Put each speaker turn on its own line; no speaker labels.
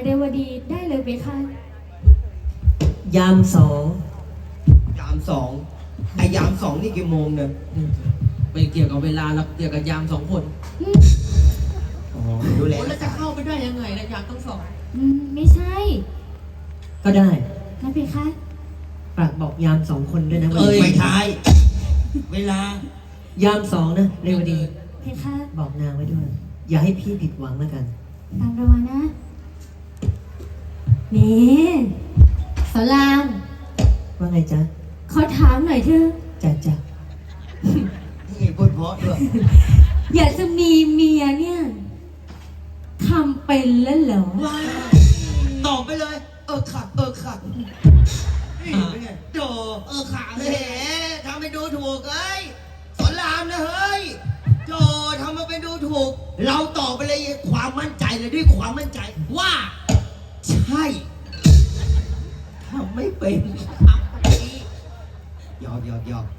วดีได้เลยเพคะ
ยามสอง
ยามสองไอ้ยามสองนี่กี่โมงเนี่ย
ไม่เกี่ยวกับเวลาหรอกเกี่ยวกับยามสองคน
อ๋อดูแล
แล้วจะเข้าไปได้ยังไงนะยามต้องสอง
ไม่ใช่
ก็ได้
นะเพคะ
ฝากบอกยามสองคนด้วยนะวัน
เอ้ย
นี้
ไม่ใช่เวลาย
ามสองนะเรวดี
เพคะ
บอกนางไว้ด้วย อย่าให้พี่ผิดหวังแล้วกัน
ตามระวังนะนี่สลาม
ว่าไงจ๊ะ
ขอถามหน่อยเถอะ
จ๊ะ
นี่พูดเพราะด้วย
อยากจะมีเมียเนี่ยทำเป็นแล้วเหรอ
ว้าวตอบไปเลย ขัดนี่เป็นไงโดขาแหมทำไปดูถูกเอ้ยสอนรามนะเฮ้ยโจทำมาไปดูถูก เราตอบไปเลยความมั่นใจเลยด้วยความมั่นใจว่า ใช่ทำไม่เป็นหยอก